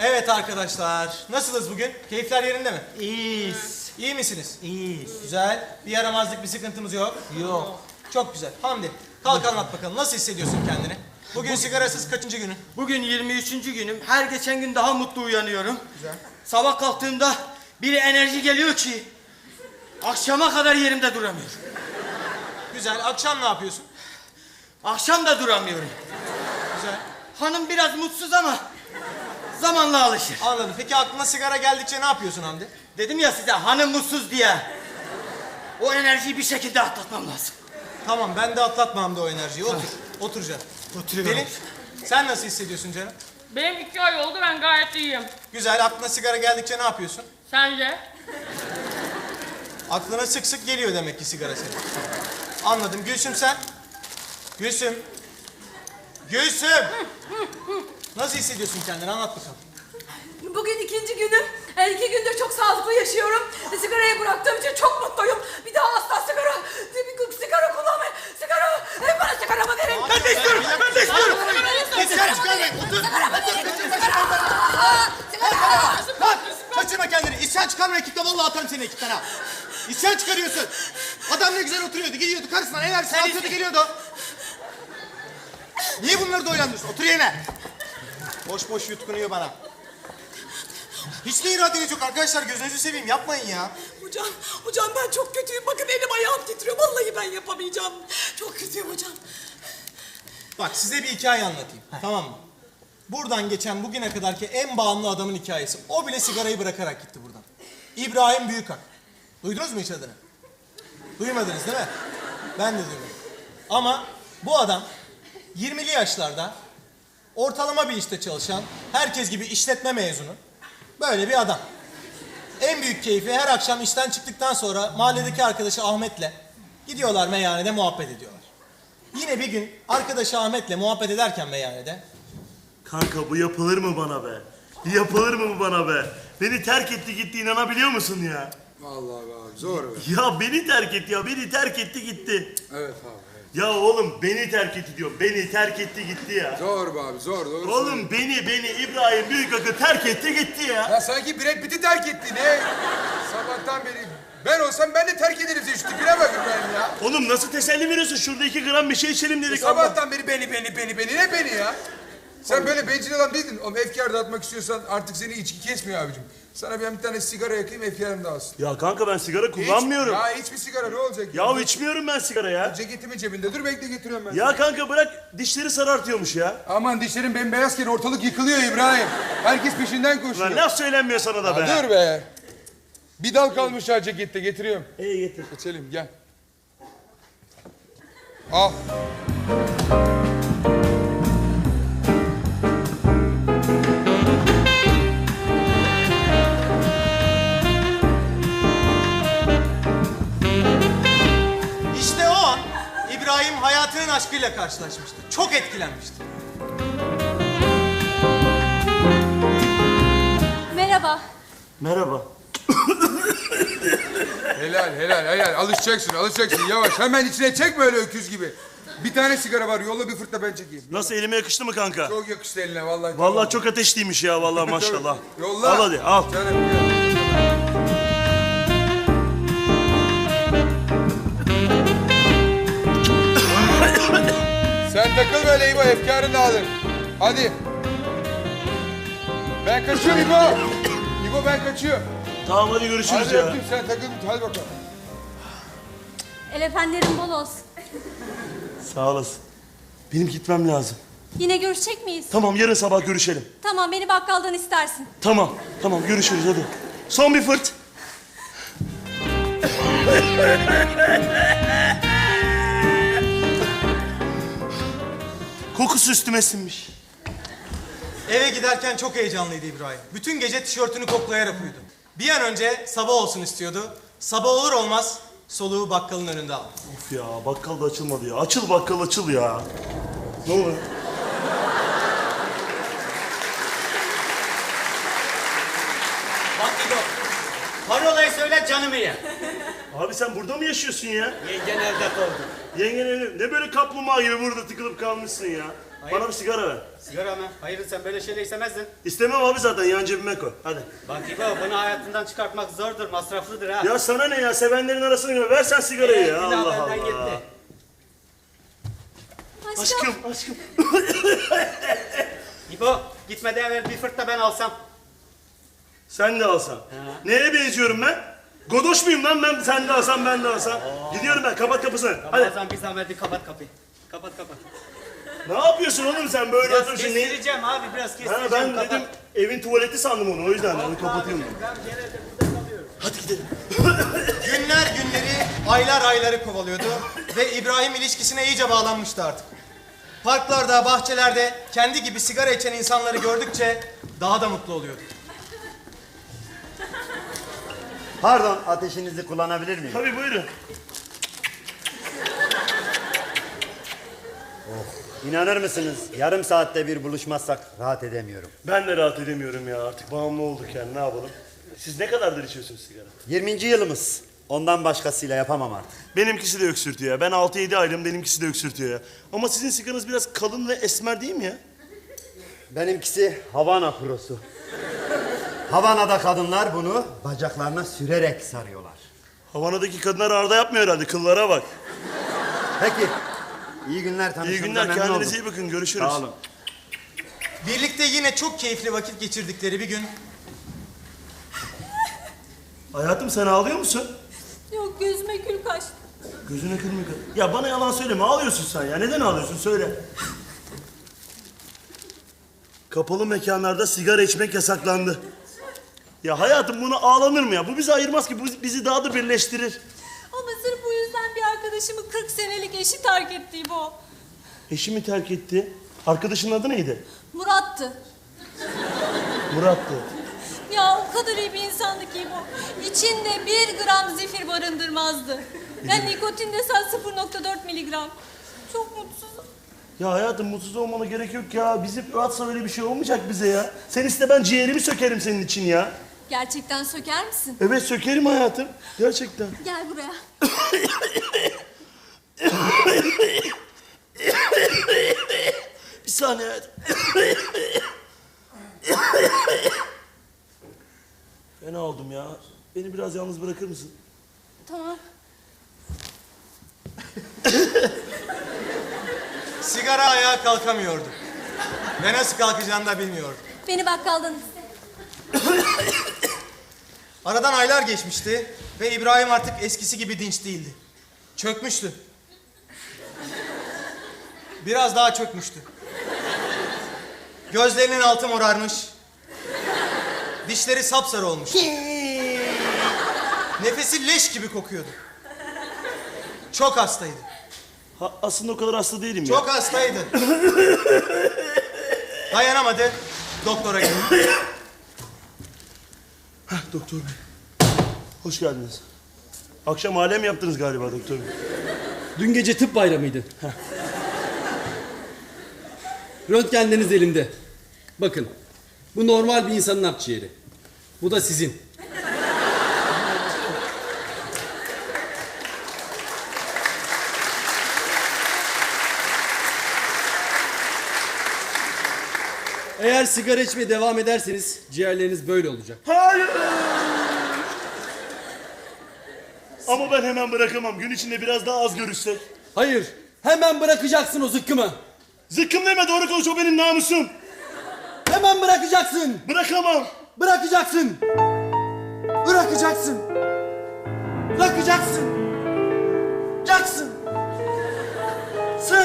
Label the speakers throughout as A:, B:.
A: Evet arkadaşlar, nasılsınız bugün? Keyifler yerinde mi?
B: İyiyiz.
A: İyi misiniz?
B: İyiyiz.
A: Güzel. Bir yaramazlık, bir sıkıntımız yok.
B: Yok.
A: Çok güzel. Hamdi, kalk anlat bakalım. Nasıl hissediyorsun kendini? Bugün sigarasız kaçıncı günün?
B: Bugün 23. günüm. Her geçen gün daha mutlu uyanıyorum.
A: Güzel.
B: Sabah kalktığımda bir enerji geliyor ki akşama kadar yerimde duramıyorum.
A: Güzel. Akşam ne yapıyorsun?
B: Akşam da duramıyorum.
A: Güzel.
B: Hanım biraz mutsuz ama zamanla alışır.
A: Anladım. Peki aklına sigara geldikçe ne yapıyorsun Hamdi?
B: Dedim ya size hanım mutsuz diye. O enerjiyi bir şekilde atlatmam lazım.
A: Tamam, ben de atlatma Hamdi o enerjiyi. Otur. Otur canım.
B: Oturuyorum.
A: Pelin, sen nasıl hissediyorsun canım?
C: Benim 2 ay oldu, ben gayet iyiyim.
A: Güzel. Aklına sigara geldikçe ne yapıyorsun?
C: Sence?
A: Aklına sık sık geliyor demek ki sigara senin. Anladım. Gülsüm sen? Gülsüm. Gülsüm! Nasıl hissediyorsun kendini? Anlat bakalım.
D: Bugün ikinci günüm. 2 gündür çok sağlıklı yaşıyorum. Sigarayı bıraktığım için çok mutluyum. Bir daha asla sigara kullanmayın. Bana sigaramı verin.
A: Ben de istiyorum. Ben de istiyorum.
D: Sigara
A: çıkarmayın. Otur.
D: Sigara.
A: Lan kaçırma kendini. İsyan çıkarma ekipten. Vallahi atarım seni ekipten ha. İsyan çıkarıyorsun. Adam ne güzel oturuyordu. Gidiyordu karşısından. Enerjisini atıyordu geliyordu. Niye bunları da oynandırıyorsun? Otur yerine. Boş boş yutkunuyor bana. Hiç de iradeniz yok arkadaşlar. Gözünüzü seveyim. Yapmayın ya.
D: Hocam ben çok kötüyüm. Bakın elim ayağım titriyor. Vallahi ben yapamayacağım. Çok kötüyüm hocam.
A: Bak size bir hikaye anlatayım. Tamam mı? Buradan geçen bugüne kadarki en bağımlı adamın hikayesi. O bile sigarayı bırakarak gitti buradan. İbrahim Büyükak. Duydunuz mu hiç adını? Duymadınız değil mi? Ben de duymadım. Ama bu adam 20'li yaşlarda ortalama bir işte çalışan, herkes gibi işletme mezunu böyle bir adam. En büyük keyfi her akşam işten çıktıktan sonra mahalledeki arkadaşı Ahmet'le gidiyorlar meyhanede muhabbet ediyorlar. Yine bir gün arkadaşı Ahmet'le muhabbet ederken meyhanede
E: Kanka bu yapılır mı bana be? Yapılır mı bu bana be? Beni terk etti gitti, inanabiliyor musun ya?
F: Vallahi be abi zor be.
E: Ya beni terk etti ya, beni terk etti gitti.
F: Evet abi. Evet.
E: Ya oğlum beni terk etti diyorum, beni terk etti gitti ya.
F: Zor be abi zor doğru.
E: Oğlum beni İbrahim Büyükak'ı terk etti gitti ya.
F: Ya sanki Brad Pitt'i terk etti ne? Sabahtan beri ben olsam ben de terk ederim size şu tipine bakın benim ya.
E: Oğlum nasıl teselli veriyorsun? Şurada 2 gram bir şey içelim dedik. Allah.
F: Sabahtan beri beni ne beni ya? Sen böyle bencil adam değildin. Oğlum efkar dağıtmak istiyorsan artık seni içki kesmiyor abicim. Sana ben bir tane sigara yakayım efkarım dağılsın.
E: Ya kanka ben sigara kullanmıyorum.
F: Ya hiç bir sigara ne olacak?
E: Ya içmiyorum ben sigara ya.
F: Ceketimin cebinde dur bekle getiriyorum ben.
E: Ya kanka bırak dişleri sarartıyormuş ya.
F: Aman dişlerin bembeyazken ortalık yıkılıyor İbrahim. Herkes peşinden koşuyor.
E: Lan laf söylenmiyor sana da be.
F: Ya dur be. Bir dal kalmış ha cekette getiriyorum.
E: İyi getir.
F: İçelim gel. Al.
A: işte o an İbrahim hayatının aşkıyla karşılaşmıştı. Çok etkilenmişti.
D: Merhaba.
E: Merhaba.
F: Helal. Alışacaksın. Yavaş. Hemen içine çekme öyle öküz gibi. Bir tane sigara var. Yolla bir fırt da ben çekeyim.
E: Nasıl elime yakıştı mı kanka?
F: Çok yakıştı eline vallahi.
E: Vallahi çok ateşliymiş ya vallahi maşallah.
F: Yolla.
E: Al hadi al.
F: Canım gel. Sen takıl böyle İbo. Efkarın dağılır. Hadi. Ben kaçıyorum İbo. İbo ben kaçıyorum.
E: Tamam hadi görüşürüz
F: Hadi
E: ya.
F: öptüm sen takıl. Hadi bakalım.
D: El efendilerin bol olsun.
E: Sağ olasın. Benim gitmem lazım.
D: Yine görüşecek miyiz?
E: Tamam yarın sabah görüşelim.
D: Tamam, beni bakkaldan istersin.
E: Tamam görüşürüz hadi. Son bir fırt. Kokusu üstüme sinmiş.
A: Eve giderken çok heyecanlıydı İbrahim. Bütün gece tişörtünü koklayarak uyudu. Bir an önce sabah olsun istiyordu. Sabah olur olmaz soluğu bakkalın önünde aldı.
E: Of ya bakkal da açılmadı ya. Açıl bakkal açıl ya. Ne olur.
B: Bak İdo, parolayı söyle canımı ye.
E: Abi sen burada mı yaşıyorsun ya?
B: Yengen evde kaldı.
E: Yengen evde. Ne böyle kaplumbağa gibi burada tıkılıp kalmışsın ya? Bana bir sigara ver.
G: Sigara mı? Hayır sen böyle şeyler istemezdin.
E: İstemem abi zaten yan cebime koy. Hadi.
G: Bak İbo bunu hayatından çıkartmak zordur, masraflıdır ha.
E: Ya sana ne ya? Sevenlerin arasına gir. Ver sen sigarayı ya.
G: günah
E: Allah
G: benden
E: Allah.
G: gitti.
E: Aşkım, aşkım.
G: İbo gitmeden evvel bir fırt da ben alsam.
E: Sen de alsan. Neye benziyorum ben? Godoş muyum lan ben? Sen de alsan ben de alsam. Gidiyorum ben. Kapat kapısını. Hadi.
G: Ramazan bir zahmet bir kapat kapıyı. Kapat.
E: Ne yapıyorsun oğlum sen böyle
G: Biraz
E: oturuyorsun? Ne?
G: kestireceğim abi biraz kestireceğim.
E: Ha ben
G: kapat.
E: dedim evin tuvaleti sandım onu o yüzden onu kapatıyorum.
G: Ben genelde burada kalıyorum.
E: Hadi gidelim.
A: Günler günleri, aylar ayları kovalıyordu ve İbrahim ilişkisine iyice bağlanmıştı artık. Parklarda, bahçelerde kendi gibi sigara içen insanları gördükçe daha da mutlu oluyordu.
H: Pardon, ateşinizi kullanabilir miyim?
E: Tabii buyurun.
H: İnanır mısınız? Yarım saatte bir buluşmazsak rahat edemiyorum.
E: Ben de rahat edemiyorum ya artık bağımlı olduk yani ne yapalım. Siz ne kadardır içiyorsunuz sigara?
H: 20. yılımız. Ondan başkasıyla yapamam artık.
E: Benimkisi de öksürtüyor ya. Ben 6-7 aylığım benimkisi de öksürtüyor ya. Ama sizin sigaranız biraz kalın ve esmer değil mi ya?
H: Benimkisi Havana Pro'su. Havana'da kadınlar bunu bacaklarına sürerek sarıyorlar.
E: Havana'daki kadınlar arda yapmıyor herhalde. Kıllara bak.
H: Peki, iyi günler
E: İyi
H: tanıştığımıza
E: günler.
H: memnun
E: Kendinize
H: oldum.
E: iyi bakın. Görüşürüz.
H: Sağ olun.
A: Birlikte yine çok keyifli vakit geçirdikleri bir gün
E: Hayatım sen ağlıyor musun?
D: Yok gözüme gül kaçtı.
E: Gözüne kırmıyor. Ya bana yalan söyleme. Ağlıyorsun sen ya. Neden ağlıyorsun? Söyle. Kapalı mekanlarda sigara içmek yasaklandı. Ya hayatım buna ağlanır mı ya? Bu bizi ayırmaz ki. Bu bizi daha da birleştirir.
D: Ama sırf bu yüzden bir arkadaşımı 40 senelik eşi terk etti bu.
E: Eşimi terk etti. Arkadaşının adı neydi?
D: Murat'tı.
E: Murat'tı.
D: Ya o kadar iyi bir insandı ki bu. İçinde 1 gram zifir barındırmazdı. Yani nikotin desen 0,4 miligram. Çok mutsuzum.
E: Ya hayatım mutsuz olmana gerek yok ya. Bizim rahatsa öyle bir şey olmayacak bize ya. Sen iste ben ciğerimi sökerim senin için ya.
D: Gerçekten söker misin?
E: Evet sökerim hayatım. Gerçekten.
D: Gel buraya.
E: Bir saniye hayatım. Fena oldum ya. Beni biraz yalnız bırakır mısın?
D: Tamam.
A: sigara ayağa kalkamıyordu. Ve nasıl kalkacağını da bilmiyordu.
D: Beni bakkaldan iste.
A: Aradan aylar geçmişti ve İbrahim artık eskisi gibi dinç değildi. Çökmüştü. Biraz daha çökmüştü. Gözlerinin altı morarmış. Dişleri sapsarı olmuş. Nefesi leş gibi kokuyordu. Çok hastaydı.
E: Ha, aslında o kadar hasta değilim ya.
A: Çok hastaydı. Dayanamadı. Doktora gitti.
E: Doktor bey. Hoş geldiniz. Akşam alem yaptınız galiba doktor bey.
I: Dün gece tıp bayramıydı. Röntgenleriniz elimde. Bakın, bu normal bir insanın akciğeri. Bu da sizin. Eğer sigara içmeye devam ederseniz ciğerleriniz böyle olacak.
E: Hayır. Ama ben hemen bırakamam. Gün içinde biraz daha az görüşsek.
I: Hayır, hemen bırakacaksın o zıkkımı.
E: Zıkkım deme doğru konuş o benim namusum.
I: Hemen bırakacaksın.
E: Bırakamam.
I: Bırakacaksın. Bırakacaksın. Bırakacaksın. Jackson. Sen.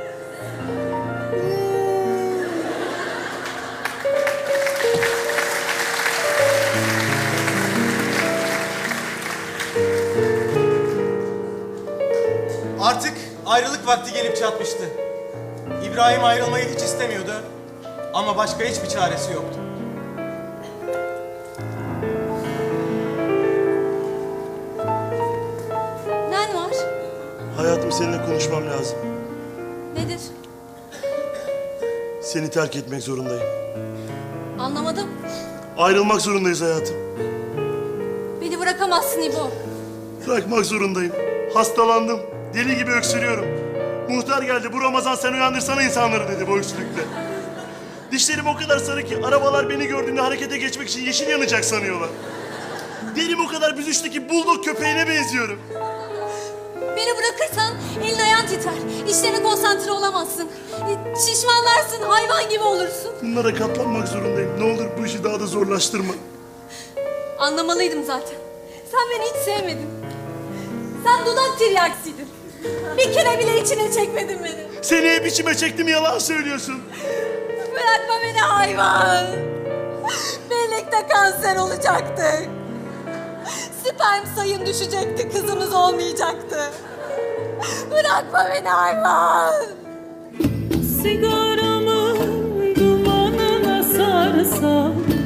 A: Artık ayrılık vakti gelip çatmıştı. İbrahim ayrılmayı hiç istemiyordu. Ama başka hiçbir çaresi yoktu.
D: Nen var?
E: Hayatım seninle konuşmam lazım.
D: Nedir?
E: Seni terk etmek zorundayım.
D: Anlamadım.
E: Ayrılmak zorundayız hayatım.
D: Beni bırakamazsın İbo.
E: Bırakmak zorundayım. Hastalandım. Deli gibi öksürüyorum. Muhtar geldi, bu Ramazan sen uyandırsana insanları dedi bu öksürükle. Dişlerim o kadar sarı ki arabalar beni gördüğünde harekete geçmek için yeşil yanacak sanıyorlar. Derim o kadar büzüştü ki buldog köpeğine benziyorum.
J: Beni bırakırsan elin ayağın titrer. İşlerine konsantre olamazsın. Şişmanlarsın, hayvan gibi olursun.
E: Bunlara katlanmak zorundayım. Ne olur bu işi daha da zorlaştırma.
J: Anlamalıydım zaten. Sen beni hiç sevmedin. Sen dudak tiryaksıydın. Bir kere bile içine çekmedin beni.
E: Seni hep içime çektim, yalan söylüyorsun.
J: Bırakma beni hayvan. Birlikte kanser olacaktık. Sperm sayın düşecekti, kızımız olmayacaktı. Bırakma beni hayvan.
K: Sigaramı dumanına sarsam